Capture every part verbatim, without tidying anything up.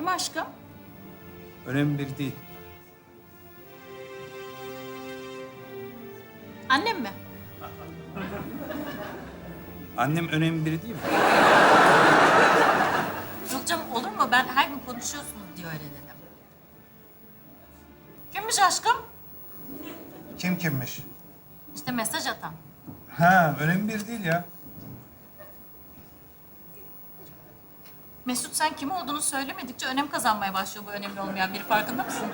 Kim aşkım? Önemli biri değil. Annem mi? Annem önemli biri değil mi? Yok canım, olur mu? Ben her gün konuşuyorsunuz diye öyle dedim. Kimmiş aşkım? Kim kimmiş? İşte mesaj atan. Ha, önemli biri değil ya. Mesut, sen kim olduğunu söylemedikçe önem kazanmaya başlıyor bu önemli olmayan biri. Farkında mısın?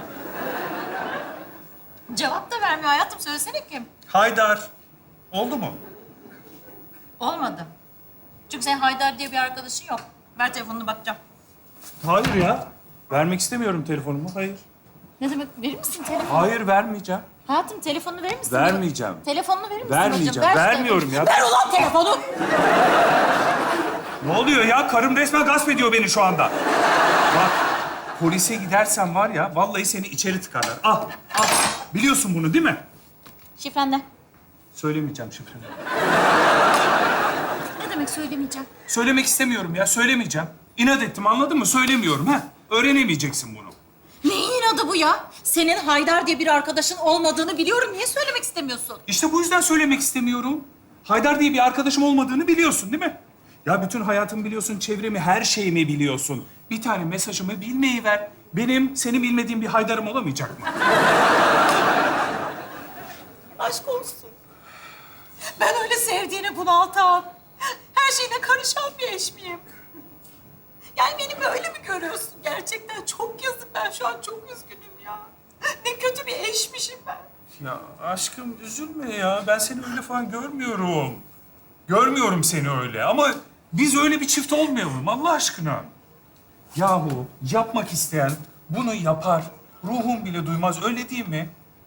Cevap da vermiyor hayatım. Söylesene kim? Haydar. Oldu mu? Olmadı. Çünkü senin Haydar diye bir arkadaşın yok. Ver telefonunu, bakacağım. Hayır ya. Vermek istemiyorum telefonumu. Hayır. Ne demek? Verir misin telefonu? Hayır, vermeyeceğim. Hayatım, telefonunu verir misin? Vermeyeceğim. Telefonunu verir misin Vermeyeceğim. hocam? Ver şu Vermiyorum telefonu. ya. Ver ulan telefonu! Ne oluyor ya? Karım resmen gasp ediyor beni şu anda. Bak, polise gidersen var ya, vallahi seni içeri tıkarlar. Al, al. Biliyorsun bunu değil mi? Şifren ne? Söylemeyeceğim şifreni. Ne demek söylemeyeceğim? Söylemek istemiyorum ya, söylemeyeceğim. İnat ettim, anladın mı? Söylemiyorum ha. Öğrenemeyeceksin bunu. Neyin adı bu ya? Senin Haydar diye bir arkadaşın olmadığını biliyorum. Niye söylemek istemiyorsun? İşte bu yüzden söylemek istemiyorum. Haydar diye bir arkadaşım olmadığını biliyorsun değil mi? Ya bütün hayatımı biliyorsun, çevremi, her şeyimi biliyorsun. Bir tane mesajımı bilmeyi ver. Benim senin bilmediğin bir Haydar'ım olamayacak mı? Aşk olsun. Ben öyle sevdiğini bunaltan, her şeyine karışan bir eş miyim? Yani beni böyle mi görüyorsun? Gerçekten çok yazık. Ben şu an çok üzgünüm ya. Ne kötü bir eşmişim ben. Ya aşkım üzülme ya. Ben seni öyle falan görmüyorum. Görmüyorum seni öyle ama biz öyle bir çift olmayalım Allah aşkına. Yahu yapmak isteyen bunu yapar. Ruhum bile duymaz, öyle değil mi?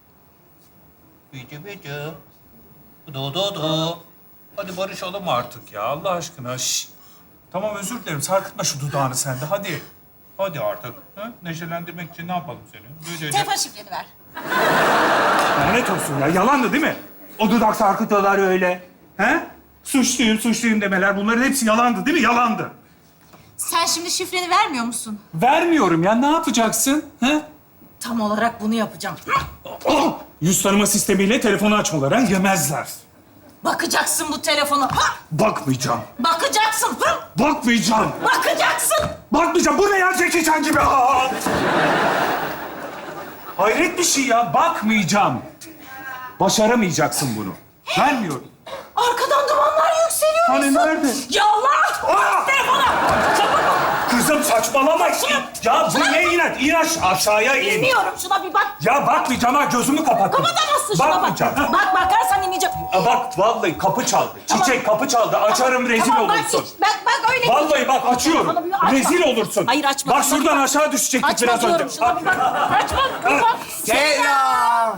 Bıcı bıcı. Do do do. Hadi barışalım artık ya Allah aşkına. Şş. Tamam özür dilerim. Sarkıtma şu dudağını sen de hadi. Hadi artık. Ha? Neşelendirmek için ne yapalım seni? Böyle Telefon şifreni ver. Lanet olsun ya. Yalandı değil mi? O dudak sarkıtıyorlar öyle. He? Suçluyum, suçluyum demeler. Bunların hepsi yalandı değil mi? Yalandı. Sen şimdi şifreni vermiyor musun? Vermiyorum ya. Ne yapacaksın? He? Tam olarak bunu yapacağım. Oh! Yüz tanıma sistemiyle telefonu açmaları yemezler. Bakacaksın bu telefona. Ha! Bakmayacağım. Bakacaksın. Hı! Bakmayacağım. Bakacaksın. Bakmayacağım. Bu ne ya Jackie Chan gibi? Aa! Hayret bir şey ya. Bakmayacağım. Başaramayacaksın bunu. Vermiyorum. Arkadan dumanlar yükseliyor. Hani Mesut. nerede? Yallah! Aa! Telefona! Çabuk! Kızım saçmalama. Ya bu ne inat? İn aş- aşağıya in. Bilmiyorum, şuna bir bak. Ya bakmayacağım ha, gözümü kapattım. Kapatamazsın şuna bak. Bakmayacağım. Ha. Bak, bakarsan ineceğim. Aa, bak vallahi kapı çaldı. Tamam. Çiçek kapı çaldı. Açarım rezil Tamam, bak olursun. hiç. Bak, bak öyle. Vallahi bak açıyorum. Telefonu bir açma. Rezil olursun. Hayır, açma. Bak şuradan aşağı düşecektik Açma biraz diyorum, önce. şuna bir bak. Açma, kapat. Selam.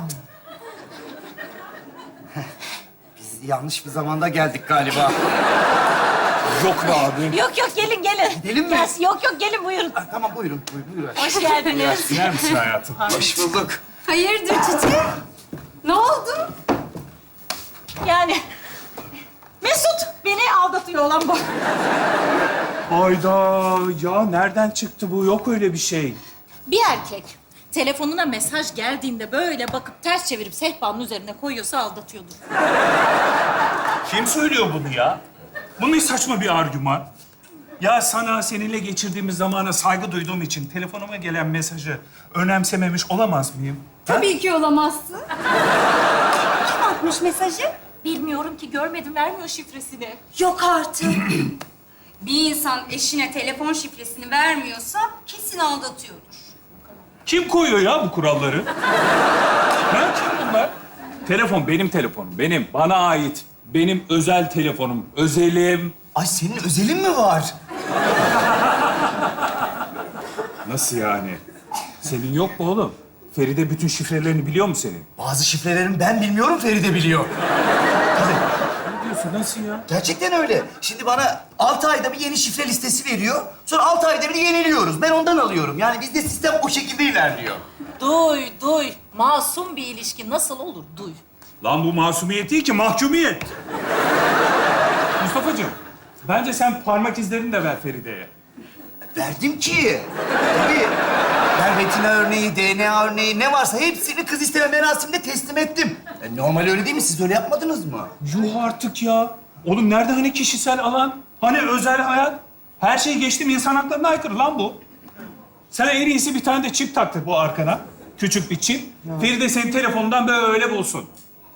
Biz yanlış bir zamanda geldik galiba. Yok be abi. Yok yok, gelin gelin. Gidelim mi? Gel, yok yok, gelin buyurun. Ha, tamam buyurun, buyurun. buyurun. Hoş geldiniz. İner misin hayatım? Hoş bulduk. Hayırdır Çiçek? Ne oldu? Yani Mesut beni aldatıyor olan bu. Hayda ya nereden çıktı bu? Yok öyle bir şey. Bir erkek telefonuna mesaj geldiğinde böyle bakıp ters çevirip sehpanın üzerine koyuyorsa aldatıyordur. Kim söylüyor bunu ya? Bu ne saçma bir argüman? Ya sana seninle geçirdiğimiz zamana saygı duyduğum için telefonuma gelen mesajı önemsememiş olamaz mıyım? Ha? Tabii ki olamazsın. Kim atmış mesajı? Bilmiyorum ki, görmedim, vermiyor şifresini. Yok artık. Bir insan eşine telefon şifresini vermiyorsa kesin aldatıyordur. Kim koyuyor ya bu kuralları? Ha? Kim bunlar? Telefon benim telefonum, benim. Bana ait. Benim özel telefonum, özelim. Ay senin özelin mi var? Nasıl yani? Senin yok mu oğlum? Feride bütün şifrelerini biliyor mu senin? Bazı şifrelerini ben bilmiyorum, Feride biliyor. Ne diyorsun? Nasıl ya? Gerçekten öyle. Şimdi bana altı ayda bir yeni şifre listesi veriyor. Sonra altı ayda bir yeniliyoruz. Ben ondan alıyorum. Yani bizde sistem o şekilde ilerliyor. Duy, duy. Masum bir ilişki nasıl olur? Duy. Lan bu masumiyet değil ki, mahkumiyet. Mustafa'cığım, bence sen parmak izlerini de ver Feride'ye. Verdim ki. Tabii. Ben retina örneği, D N A örneği ne varsa hepsini kız isteme merasiminde teslim ettim. E, normal öyle değil mi? Siz öyle yapmadınız mı? Yuh artık ya. Oğlum nerede hani kişisel alan? Hani özel hayat? Her şey geçtim, insan haklarına aykırı lan bu. Sen en iyisi bir tane de çip taktır bu arkana. Küçük bir çip. Feride senin telefonundan böyle bulsun.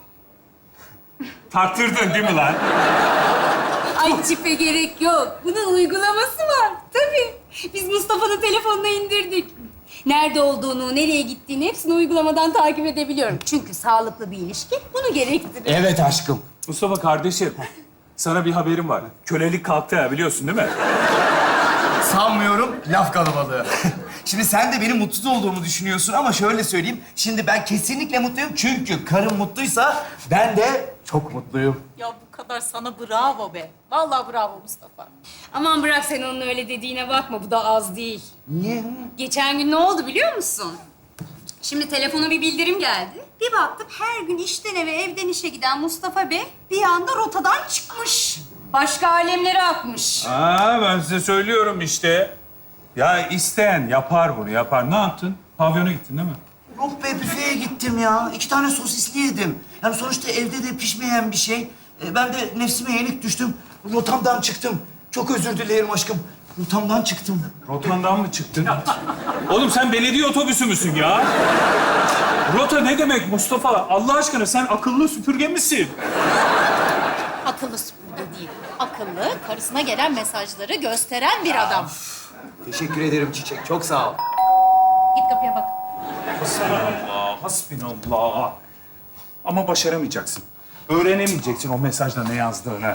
Taktırdın değil mi lan? Ay çipe gerek yok. Bunun uygulaması var. Tabii. Biz Mustafa'nın telefonuna indirdik. Nerede olduğunu, nereye gittiğini hepsini uygulamadan takip edebiliyorum. Çünkü sağlıklı bir ilişki bunu gerektirir. Evet aşkım. Mustafa kardeşim, sana bir haberim var. Kölelik kalktı ya, biliyorsun değil mi? Sanmıyorum, laf kalabalığı. Şimdi sen de benim mutsuz olduğumu düşünüyorsun ama şöyle söyleyeyim. Şimdi ben kesinlikle mutluyum çünkü karım mutluysa ben de çok mutluyum. Ya bu kadar sana bravo be. Vallahi bravo Mustafa. Aman bırak sen onun öyle dediğine bakma. Bu da az değil. Niye? Geçen gün ne oldu biliyor musun? Şimdi telefona bir bildirim geldi. Bir baktım her gün işten eve, evden işe giden Mustafa Bey bir anda rotadan çıkmış. Başka alemlere akmış. Aa, ben size söylüyorum işte. Ya isteyen yapar bunu, yapar. Ne yaptın? Pavyona gittin değil mi? Yok be, büfeye gittim ya. İki tane sosisli yedim. Yani sonuçta evde de pişmeyen bir şey. E, ben de nefsime yenik düştüm. Rotamdan çıktım. Çok özür dilerim aşkım. Rotamdan çıktım. Rotandan mı çıktın? Oğlum sen belediye otobüsü müsün ya? Rota ne demek Mustafa? Allah aşkına sen akıllı süpürge misin? Akıllı süpürge değil. Akıllı, karısına gelen mesajları gösteren bir adam. Teşekkür ederim Çiçek. Çok sağ ol. Git kapıya bak. Hasbinallah, hasbinallah. Ama başaramayacaksın. Öğrenemeyeceksin o mesajda ne yazdığını.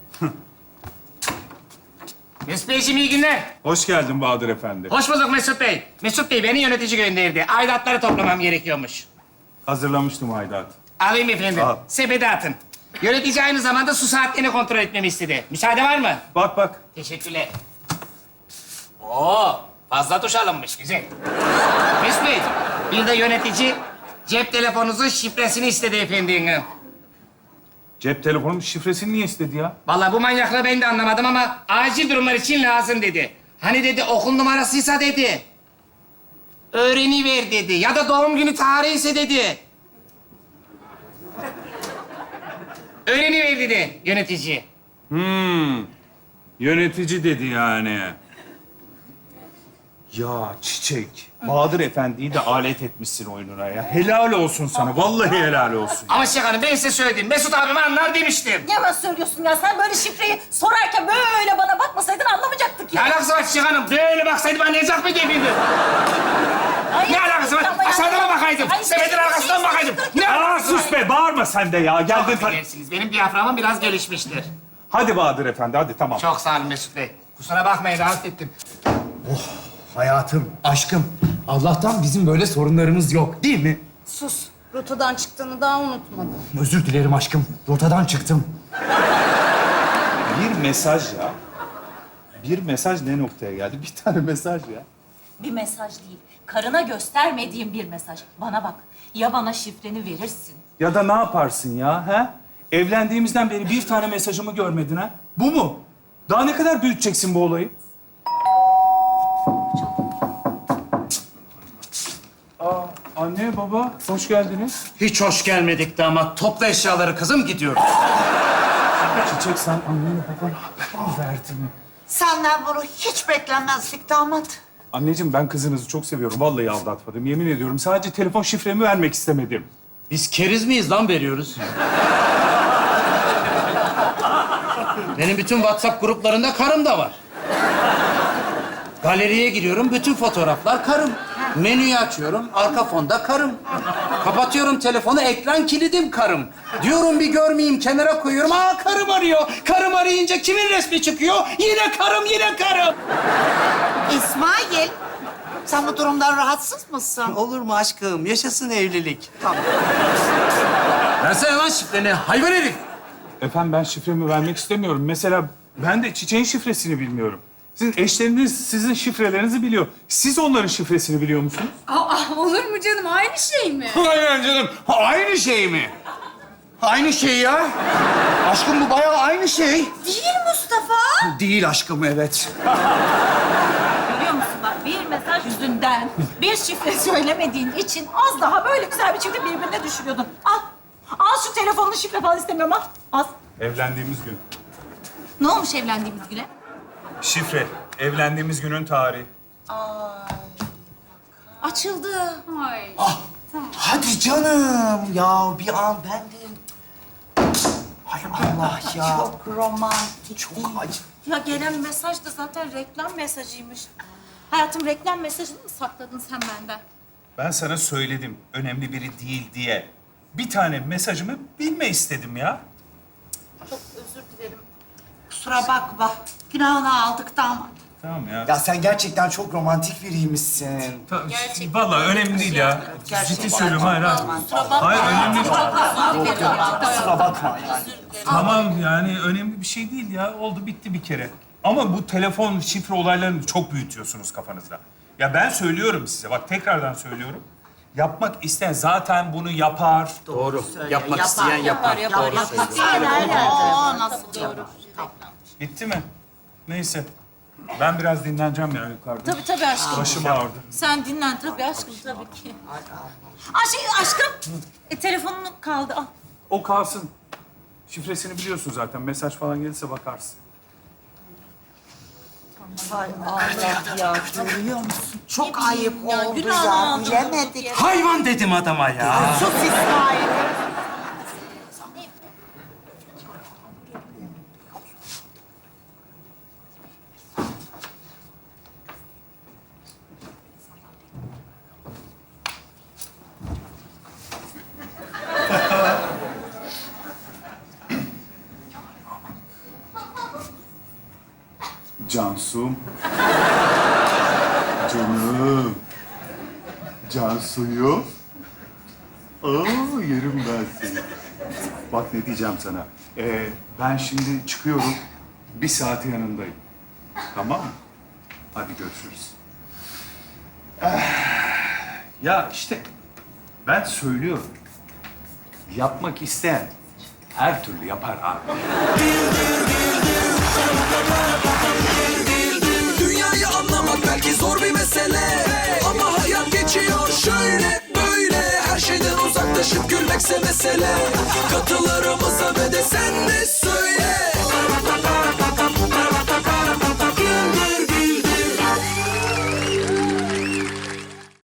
Mesut Beyciğim iyi günler. Hoş geldin Bahadır Efendi. Hoş bulduk Mesut Bey. Mesut Bey beni yönetici gönderdi. Aidatları toplamam gerekiyormuş. Hazırlamıştım aidat. Alayım efendim. Al. Sepete atın. Yönetici aynı zamanda su saatlerini kontrol etmemi istedi. Müsaade var mı? Bak bak. Teşekkürler. Oo, fazla tuş alınmış. Güzel. Mesut Bey, bir de yönetici cep telefonunuzun şifresini istedi efendim. Cep telefonum şifresini niye istedi ya? Vallahi bu manyaklığı ben de anlamadım ama acil durumlar için lazım dedi. Hani dedi okul numarasıysa dedi. Öğreniver dedi. Ya da doğum günü tarihi ise dedi. Öğreniver dedi yönetici. Hmm. Yönetici dedi yani. Ya Çiçek, Bahadır Efendi'yi de alet etmişsin oyununa ya. Helal olsun sana, vallahi helal olsun. Ama Şeх Hanım ben size söyledim. Mesut abim anlar demiştim. Ne yalan söylüyorsun ya? Sen böyle şifreyi sorarken böyle bana bakmasaydın anlamayacaktık Ne ya. alakası var Şeх Hanım? Böyle baksaydım anlayacak mıydı efendim? Ay, Ne alakası var? ama ya- Aşağıdan mı bakaydım? Ay, Sepetin şey- arkasından mı bakaydım? Ne Aa, alakası var? sus be, bağırma sen de ya. Geldin Çok ta- affedersiniz. Benim diyaframım biraz gelişmiştir. Hadi Bahadır Efendi, hadi tamam. Çok sağ olun Mesut Bey. Kusura bakmayın rahatsız ettim. Hayatım, aşkım. Allah'tan bizim böyle sorunlarımız yok, değil mi? Sus. Rotadan çıktığını daha unutmadım. Özür dilerim aşkım. Rotadan çıktım. Bir mesaj ya. Bir mesaj ne noktaya geldi? Bir tane mesaj ya. Bir mesaj değil. Karına göstermediğim bir mesaj. Bana bak. Ya bana şifreni verirsin. Ya da ne yaparsın ya, he? Evlendiğimizden beri bir tane mesajımı görmedin ha? Bu mu? Daha ne kadar büyüteceksin bu olayı? Aa, anne, baba, hoş geldiniz. Hiç hoş gelmedik damat. Topla eşyaları kızım gidiyoruz. Çiçek, sen annene babana haber mi verdin? Senden bunu hiç beklenmezdik damat. Anneciğim, ben kızınızı çok seviyorum. Vallahi aldatmadım, yemin ediyorum. Sadece telefon şifremi vermek istemedim. Biz keriz miyiz lan veriyoruz? Benim bütün WhatsApp gruplarında karım da var. Galeriye giriyorum, bütün fotoğraflar karım. Menüyü açıyorum, arka fonda karım. Kapatıyorum telefonu, ekran kilidim karım. Diyorum bir görmeyeyim, kenara koyuyorum. Aa karım arıyor. Karım arayınca kimin resmi çıkıyor? Yine karım, yine karım. İsmail, sen bu durumdan rahatsız mısın? Olur mu aşkım? Yaşasın evlilik. Tamam. Versene lan şifreni, hayvan herif. Efendim, ben şifremi vermek istemiyorum. Mesela ben de Çiçek'in şifresini bilmiyorum. Sizin eşleriniz sizin şifrelerinizi biliyor. Siz onların şifresini biliyor musunuz? Aa, olur mu canım? Aynı şey mi? Aynen canım. Ha, aynı şey mi? Aynı şey ya. Aşkım bu bayağı aynı şey. Değil Mustafa. Değil aşkım, evet. yüzünden bir şifre söylemediğin için az daha böyle güzel bir çifti birbirine düşürüyordun. Al. Al şu telefonunu, şifre falan istemiyorum, al. Al. Evlendiğimiz gün. Ne olmuş evlendiğimiz güne? Şifre. Evlendiğimiz günün tarihi. Açıldı. Ay. Ah, hadi canım. Ya bir an ben de... Hay Allah ya. Çok romantik. Çok acı. Ya gelen mesaj da zaten reklam mesajıymış. Hayatım, reklam mesajını mı sakladın sen benden? Ben sana söyledim önemli biri değil diye. Bir tane mesajımı bilme istedim ya. Çok özür dilerim. Kusura bakma. Günahını aldık damat. Tamam ya. Ya sen gerçekten çok romantik biriymişsin. Ta- Gerçekten. Vallahi önemli değil ya. Ciddi söylüyorum, hayır hayır. Hayır önemli değil. Kusura bakma yani. Tamam yani önemli bir şey değil ya. Oldu bitti bir kere. Ama bu telefon şifre olaylarını çok büyütüyorsunuz kafanızda. Ya ben söylüyorum size, bak tekrardan söylüyorum. Yapmak isteyen zaten bunu yapar. Doğru. Yapmak isteyen yapar. Yapar, Doğru yapar. söylüyorsun. Aa, nasıl doğru. Bitti mi? Neyse. Ben biraz dinleneceğim ya yukarıda. Tabii tabii aşkım. Başım ağrıdı. Sen dinlen tabii aşkım, tabii ki. Aa, şey aşkım, e, telefonun kaldı. Al. O kalsın. Şifresini biliyorsun zaten. Mesaj falan gelirse bakarsın. Hay Allah ya, görüyor musun? Çok ayıp ya, oldu günahını ya, aldım. bilemedik. Hayvan dedim adama ya. Sus İsmail. Cansum. Canım. Cansu'yu. Aa, yerim ben seni. Bak ne diyeceğim sana. Ee, ben şimdi çıkıyorum. Bir saate yanındayım. Tamam mı? Hadi görüşürüz. Ah, ya işte ben söylüyorum. Yapmak isteyen her türlü yapar abi. Dünyayı anlamak belki zor bir mesele, ama hayat geçiyor şöyle böyle. Her şeyden uzaklaşıp gülmekse mesele. Katılarımıza ve de sen de söyle.